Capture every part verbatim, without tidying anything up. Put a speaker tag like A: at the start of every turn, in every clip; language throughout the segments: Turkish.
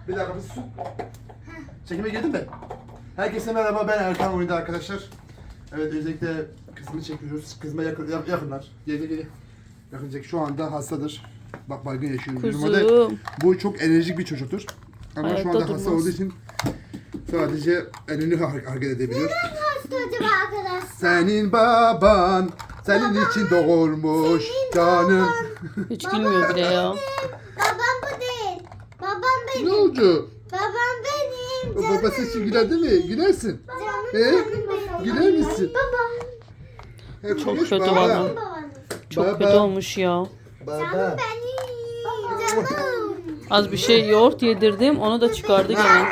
A: Bir dakika bir sus. Çekime girdin mi? Herkese merhaba, ben Erkan Oyunda arkadaşlar. Evet, özellikle kızımı çekiyoruz. Kızıma yakın, yak- yakınlar. Geri geri. Yakınacak, şu anda hastadır. Bak, baygın yaşıyor. Normalde
B: Kuzum.
A: bu çok enerjik bir çocuktur. Ama
B: Hayatta
A: şu anda
B: durmaz.
A: hasta olduğu için sadece elini har- hareket edebiliyor.
C: Hastacım arkadaşlar.
A: Senin baban senin için doğurmuş canım.
B: Hiç gülmüyor bile ya.
C: Babam bu değil. Babam benim.
A: Ne oldu?
C: Babam benim.
A: O
C: Canım.
A: babası için güler değil mi? Gülersin.
C: Canım
A: He?
C: canım benim.
A: Güler misin?
C: Baba.
A: He,
B: Çok
A: konuş
B: kötü
A: baba.
B: valla.
C: Babanız.
B: Çok
A: Baba.
B: kötü olmuş ya.
A: Baba.
C: Canım benim. Canım.
B: Az bir şey yoğurt yedirdim, onu da çıkardı gene.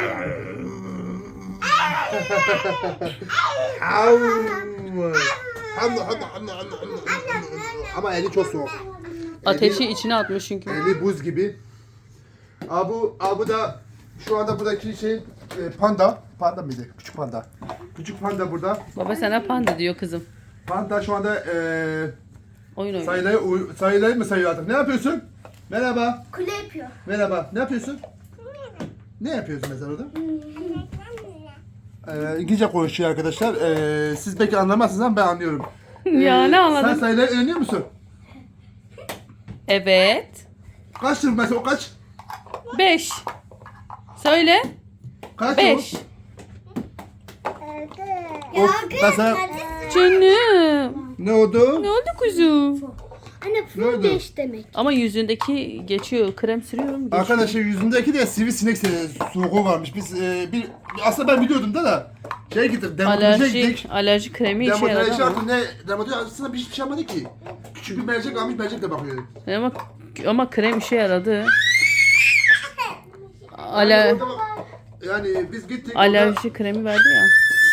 A: Ama eli çok soğuk.
B: Ateşi içine atmış çünkü.
A: Eli buz gibi. Abu, Abu da şu anda buradaki şey e, panda. Panda mıydı? Küçük panda. Küçük panda burada.
B: Baba sana panda diyor kızım.
A: Panda şu anda e,
B: Oyun oynuyor.
A: sayıları, uy- sayıları mı sayıyor artık? Ne yapıyorsun? Merhaba.
C: Kule yapıyor.
A: Merhaba. Ne yapıyorsun? Ne yapıyorsun mesela orada? Ee, İngilizce konuşuyor arkadaşlar. Ee, siz belki anlamazsınız ama ben anlıyorum.
B: Ya ne
A: Sen
B: anladın?
A: sayıları öğreniyor musun?
B: Evet.
A: Kaçtır mesela o kaç?
B: Beş. Söyle.
A: Kaç
B: Beş.
A: o? Of, mesela
B: Canım.
A: ne oldu?
B: Ne oldu kuzum?
C: Anne
A: Ne oldu?
C: full beş demek.
B: Ama yüzündeki geçiyor. Krem sürüyorum. Geçiyor.
A: Arkadaşlar yüzündeki de sivrisinek se- soğuğu varmış. Biz e, bir aslında ben biliyordum da da şey gittik, dermatolojiye
B: Alerji,
A: gittik.
B: alerji kremi işe
A: Dermatoloji
B: yaradı ama.
A: artık ne? Dermatoloji aslında bir hiçbir şey yapmadı ki. Küçük bir mercek almış, mercek de bakıyor.
B: Ama, ama krem işe yaradı. Ale,
A: Yani, orada bak- yani biz gittik.
B: alerji kremi verdi ya.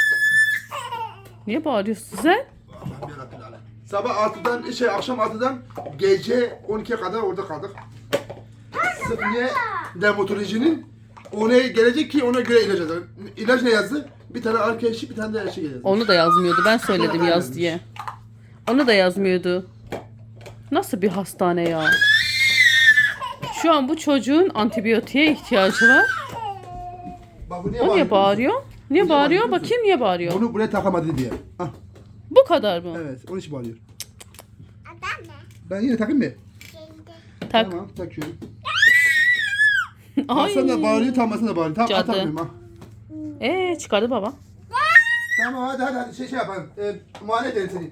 B: Niye bağırıyorsun sen?
A: Allah'ım yarabbim alem. Sabah altıdan şey akşam altıdan gece on ikiye kadar orada kaldık. Sırf niye dermatolojinin ona gelecek ki ona göre ilaç yazar. İlaç ne yazdı? Bir tane arkadaşı bir tane de şey yazdı.
B: Onu da yazmıyordu. Ben söyledim
A: Ha,
B: yaz
A: vermiş.
B: diye. Onu da yazmıyordu. Nasıl bir hastane ya? Şu an bu çocuğun antibiyotiğe ihtiyacı var.
A: Bak, bu niye
B: O niye
A: bağırıyor?
B: bağırıyor? Niye
A: Niye
B: bağırıyor?
A: bağırıyor?
B: Bakayım niye bağırıyor?
A: Bunu buraya takamadı diye. Hah,
B: Bu kadar mı?
A: evet, onun için bağırıyor.
C: Adam ne?
A: Ben yine takayım mı?
B: Tak.
A: Tamam, takıyorum.
B: Ay.
A: Sen de bağırıyor, tam da bağırıyor. Tamam,
B: Cadı.
A: al, takmıyorum ha.
B: Ee çıkardı baba.
A: Tamam, hadi hadi, hadi şey, şey yapalım. Ee, muayene edelim seni.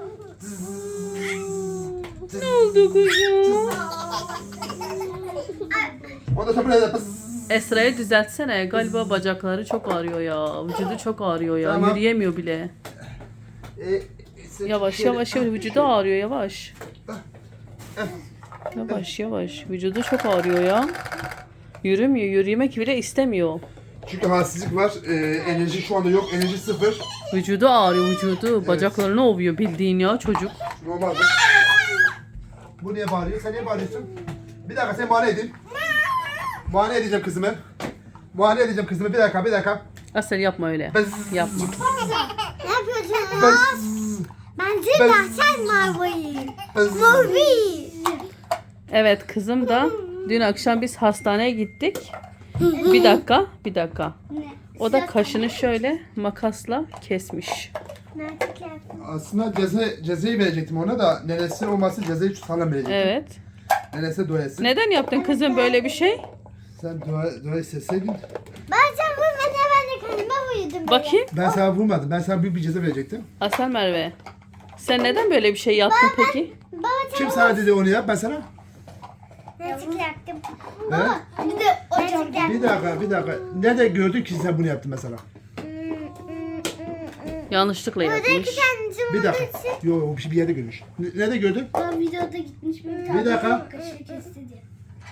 B: Ne oldu kuzum?
A: Ondan sonra buraya da
B: Esra'yı düzeltsene. Galiba bacakları çok ağrıyor ya. Vücudu çok ağrıyor ya.
A: Tamam.
B: Yürüyemiyor bile.
A: Ee, sen-
B: Yavaş
A: şöyle-
B: yavaş yavaş. Vücudu ağrıyor yavaş. Yavaş yavaş. Vücudu çok ağrıyor ya. Yürümüyor. Yürümek bile istemiyor.
A: Çünkü halsizlik var. Ee, enerji şu anda yok. Enerji sıfır.
B: Vücudu ağrıyor vücudu. Bacaklarını ovuyor bildiğin ya çocuk.
A: Normalde. Bu niye bağırıyor? Sen niye bağırıyorsun? Bir dakika, sen muayene edin. Muayene edeceğim kızımı. Muayene edeceğim kızımı. Bir dakika, bir dakika.
B: Asel yapma öyle.
A: Bız.
B: Yapma.
C: Ne yapıyorsun?
A: Bız.
C: Bence
A: Ben-
C: de sen mavi.
A: Bız.
C: Mavi.
B: Evet kızım da dün akşam biz hastaneye gittik. Bir dakika, bir dakika. O da kaşını şöyle makasla kesmiş.
C: Nerede yaptın?
A: Aslında ceza, cezayı verecektim ona da nenesi olması cezayı sağlam verecektim.
B: Evet.
A: Nenesi dua etsin.
B: Neden yaptın kızım böyle bir şey?
A: Sen dua, dua etseydin.
C: Ben sen vurmadın, ben de kendime vurdum.
B: Bakayım.
A: Ben sana vurmadım. Ben sana büyük bir ceza verecektim.
B: Asel Merve. Sen neden böyle bir şey yaptın peki?
C: Baba sen
A: Kim sana dedi onu yap, ben sana?
C: Nerede yaktım?
A: He?
C: Bir de o çok
A: Bir dakika, bir dakika. Nerede gördün ki sen bunu yaptın mesela?
B: Yanlışlıkla
C: Buradaki
B: yapmış.
C: kendisi
A: Bir dakika. Yok, o bir şey bir yerde görmüş. N- Nerede gördün?
C: Ben videoda gitmiş bir
A: Bir dakika.
C: kaşığı kesti diye.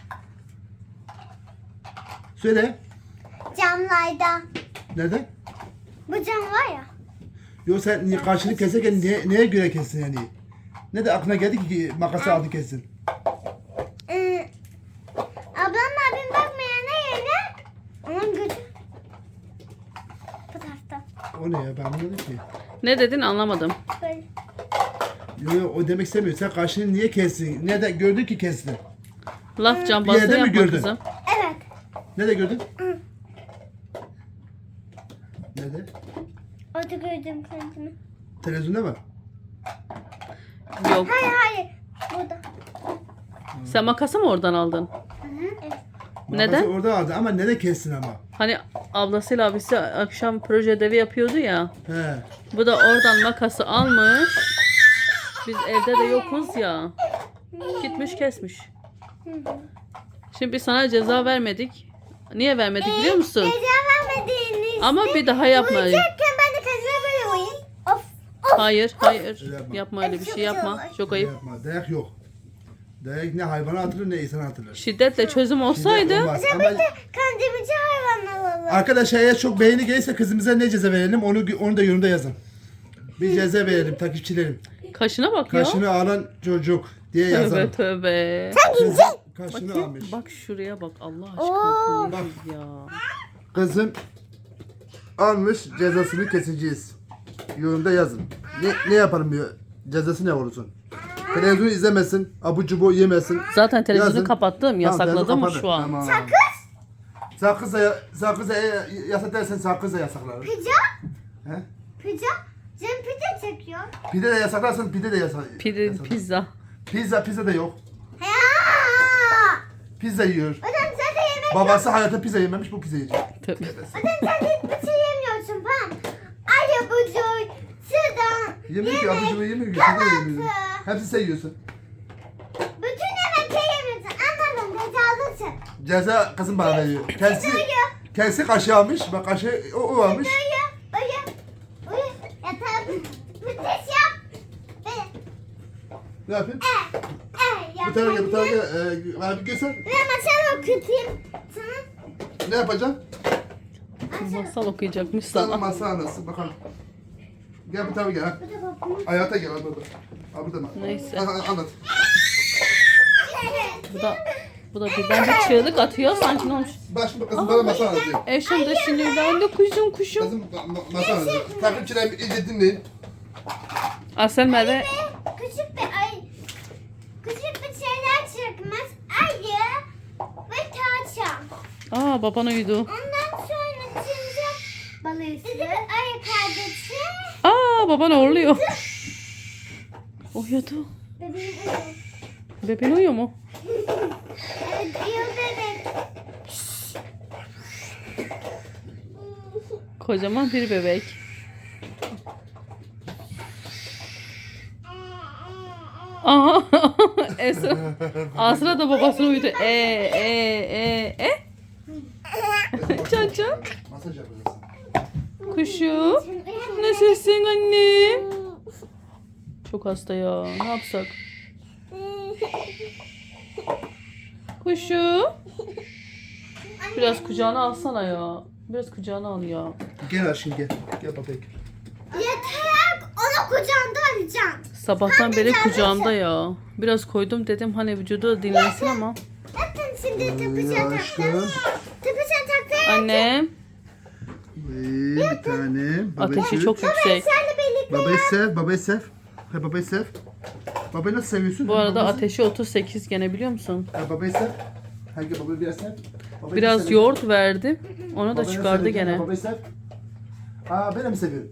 A: Söyle.
C: Camlarda.
A: Nerede?
C: Bu cam var ya.
A: Yok, sen niye- karşını keserken niye, neye göre kestin yani? Ne de aklına geldi ki makası aldı kessin?
C: Ee, ablam abim bakmayana yerine onun gözü bu tarafta.
A: O ne ya, ben anlamadım ki.
B: Ne dedin anlamadım.
C: Böyle.
A: Yok yok, o demek istemiyor. Sen karşını niye kestin? Nerede gördün ki kestin?
B: Laf
A: Bir
B: cambazlığı
A: yerde mi
B: yapma
A: gördün?
B: kızım.
C: Evet.
A: Nerede gördün? Nerede?
C: Orada gördüm kendimi.
A: Televizyonda mı?
B: Yok.
C: Hayır hayır. Burada.
B: Sen makası mı oradan aldın?
C: Hı hı. Evet.
B: Neden?
A: Makası orada aldı ama nerede kessin ama?
B: Hani ablasıyla abisi akşam proje ödevi yapıyordu ya.
A: He.
B: Bu da oradan makası almış. Biz evde de yokuz ya. Gitmiş kesmiş.
C: Hı hı.
B: Şimdi biz sana ceza vermedik. Niye vermedik biliyor musun?
C: Ceza vermediğiniz.
B: Ama bir daha yapma.
C: Uyuyacakken ben de kazıma böyle uyuyayım. Of. Of.
B: Hayır, hayır.
A: Öyle yapma.
B: Yapma öyle bir şey yapma. Çok
A: Öyle
B: ayıp.
A: Yapma. Dayak yok. Dayak ne hayvana atılır ne insana atılır.
B: Şiddetle çözüm olsaydı
A: Olmaz. Ama
C: Kandemici hayvan alalım.
A: arkadaşlar eğer çok beğeni gelirse kızımıza ne ceza verelim onu onu da yorumda yazın. Bir ceza verelim takipçilerim.
B: kaşına bakıyor.
A: Kaşını alan çocuk diye
B: Tövbe
A: yazalım.
B: tövbe.
A: Kızım kaşını
B: Bakayım.
A: almış.
B: Bak şuraya bak Allah
C: Oo.
B: aşkına. Bu nedir ya?
A: Kızım almış cezasını keseceğiz. Yorumda yazın. Ne, ne yaparım diyor. Cezası ne olursun. Televizyon izlemesin, abu cubu yemesin.
B: Zaten televizyonu
A: Yazın.
B: kapattım.
A: Tamam,
B: Yasakladım
A: televizyon
B: mı
A: kapadı.
B: şu an?
A: Tamam. Sakız? Sakız da, sakız da e, yasak dersen sakız da yasaklar.
C: Pizza?
A: He?
C: Pizza? Cem pizza çekiyor.
A: Pide de yasaklarsan pide de yasak.
B: Pide,
A: yasaklar.
B: pizza.
A: Pizza, pizza da yok.
C: Ya!
A: Pizza yiyor.
C: Hocam sen de yemek
A: Babası hayatta pizza yememiş, bu pizza yiyecek.
B: Tövbe.
C: Hocam sen de hiçbir şey yemiyorsun falan. Ay abucu, şuradan.
A: Yemiyor ki, abu cubu yemiyor ki.
C: kahvaltı.
A: Pizza da yemiyor. Hepsi sen yiyorsun.
C: Bütün yemekleri yemiyorsun. Anladım, cezalısın.
A: Ceza kızım bana veriyor. Kendisi,
C: Uyu,
A: kendisi kaşığı almış. Bak kaşığı o, o almış.
C: uyu, uyu. Uyu, yatağa müthiş yap. Böyle,
A: Ne yapayım?
C: eh, eh yap.
A: Bu tarafa gel, bu tarafa gel. Ee, abi göster.
C: Ve masal okutayım sana.
A: Ne yapacaksın?
B: Masal okuyacakmış
A: Sana
B: sana.
A: masa anası bakalım. Gel bu tarafa gel. Ha.
C: Bu da babamın.
A: Hayata gel abi burada. Abi burada mı?
B: Neyse.
A: Ha, ha, anlat.
B: Bu da bu da birden bir çığlık atıyor. Sanki ne olmuş?
A: Bak şimdi kızım bana masa anlatıyor.
B: Eşim de sinirlendi kuşum kuşum.
A: Kızım ma- ma- masa anlatıyor. Takipçilerim iyice dinleyin.
B: Asel Merve
C: Küçük bir ay. Küçük bir şeyler çıkmaz. Ayı ve tavşan.
B: Aa baban uyudu.
C: Ondan sonra çıkacak balığı. Bizim ayı kardeşi.
B: Aa baban horluyor. Uyudu.
C: Bebeğim uyuyor.
B: Bebeğin uyuyor mu?
C: Evet uyuyor bebek.
B: Kocaman bir bebek. Aha. Esra. Asra da babasını uyudu. E e e e. Can can.
A: Masaj yapacaksın.
B: Kuşum. Nasılsın annem? Çok hasta ya. Ne yapsak? Kuşum. Biraz kucağına alsana ya. Biraz kucağına al ya.
A: Gel aşkım gel. Gel babek.
C: Yeter. Onu kucağında alacaksın.
B: Sabahtan beri kucağımda ya. Biraz koydum dedim hani vücudu da dinlensin ama.
C: Zaten şimdi
A: Ay
C: tıpışa
A: aşkım.
C: taktım. Tıpışa taktım.
B: Annem.
A: Ee, bir tane.
B: Ateşi çok yüksek.
C: Senle birlikte.
A: Babayı sev, babayı sev. Hay babayı sev. Babayı nasıl seviyorsun?
B: Bu arada
A: Babası-
B: ateşi otuz sekiz gene biliyor musun?
A: Ha, babayı sev. Hangi babayı biraz sev. Babayı
B: Biraz
A: sev.
B: yoğurt verdim. Onu da
A: Babayı
B: çıkardı
A: sev,
B: gene.
A: Babayı sev. Aa ben de mi seviyorum?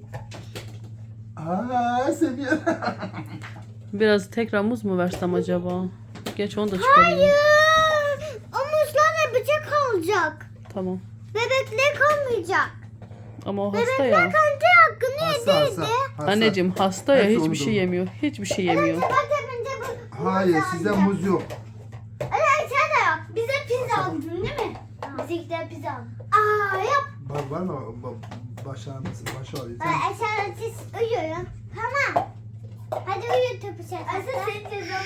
A: Aa seviyorum.
B: Biraz tekrar muz mu versem acaba? Geç onu da çıkarayım.
C: Hayır. Omuzlarla bıçak olacak.
B: Tamam.
C: Bebekler kalmayacak.
B: Ama o hasta
C: Bebekler
B: ya.
C: kendi hakkını
A: Hasta hasta.
C: yediydi.
A: hasta.
B: Anneciğim hasta ya
A: Hepsi
B: hiçbir
A: onu
B: şey
A: doğru.
B: yemiyor. Hiçbir şey yemiyor.
C: Bak önce bu.
A: Hayır sizde muz yok.
C: Öyle şey de yok. Bize pizza aldın değil mi? Bizimkiler pizza aldı. Aa yap.
A: Var, var mı? Ba- Baş ağrısı, baş ağrıyor.
C: Ben aşağıda siz uyuyun. Tamam. Hadi uyu tıpışa. Asıl senin cezan.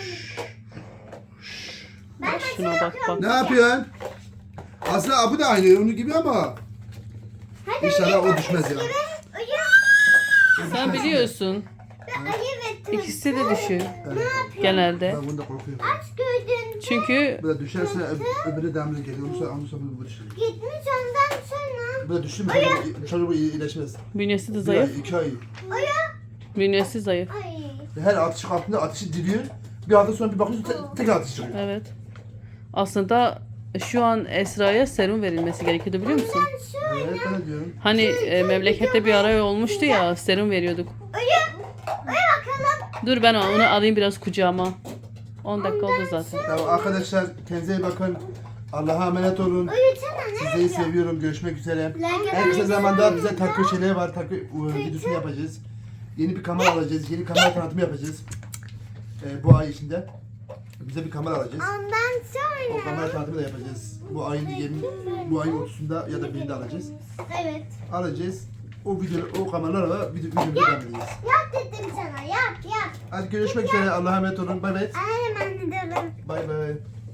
C: Ben
B: Bak şuna bak bak.
A: Ne yapıyorsun? Aslında bu da aynı onun gibi ama
C: Hadi
A: İnşallah
C: uyu
A: o düşmez
C: tıpış
A: ya.
C: gibi. Uyu.
B: Sen biliyorsun.
C: Ve ayı ve tıpış.
B: İkisi de düşüyor.
C: Ne yapıyor?
B: Genelde.
A: ben bunu da korkuyorum.
C: Aç gördün.
B: Çünkü
A: Bu da düşerse öb- öbürü devamlı geliyor. Ondan sonra, ondan sonra bu, bu düşüyor.
C: Gitmiş ondan sonra.
A: Bu da düştü mü çocuk, çocuk bu iyileşmez.
B: bünyesi de
A: Bir ay,
B: zayıf.
A: iki ay.
C: Uyu.
B: Bünyesi zayıf.
C: Ay.
A: Her atış altında ateşi diriyor. Bir hafta sonra bir bakıyorsun te- tekrar ateş çıkıyor.
B: Evet. Aslında şu an Esra'ya serum verilmesi gerekiyordu biliyor musun?
C: Ben şu
A: Evet ben de diyorum.
B: Hani e, memlekette bir ara olmuştu ya serum veriyorduk.
C: uyu. Uyu bakalım.
B: Dur ben onu alayım biraz kucağıma. on dakika oldu zaten.
A: Tamam arkadaşlar kendinize iyi bakın. Allah'a emanet olun.
C: Uyutsana ne?
A: Sizleri seviyorum. Görüşmek üzere.
C: Like
A: En kısa zamanda bize takı şeyleri var. Takı e, videosunu yapacağız. Yeni bir kamera alacağız. Yeni kamera tanıtımı yapacağız. E, bu ay içinde. Bize bir kamera alacağız.
C: Ondan
A: O
C: sonra.
A: kamera tanıtımı da yapacağız. Bu ayın yirmi, bu ayın otuzunda ya da birinde alacağız.
C: Evet.
A: Alacağız. O video, o kameralarla video, videomuzu devam edeceğiz.
C: Yap dedim sana. Yap yap.
A: Hadi görüşmek üzere. Allah'a emanet olun. Bay bay.
C: Aynen ben de dedim.
A: Bay bay.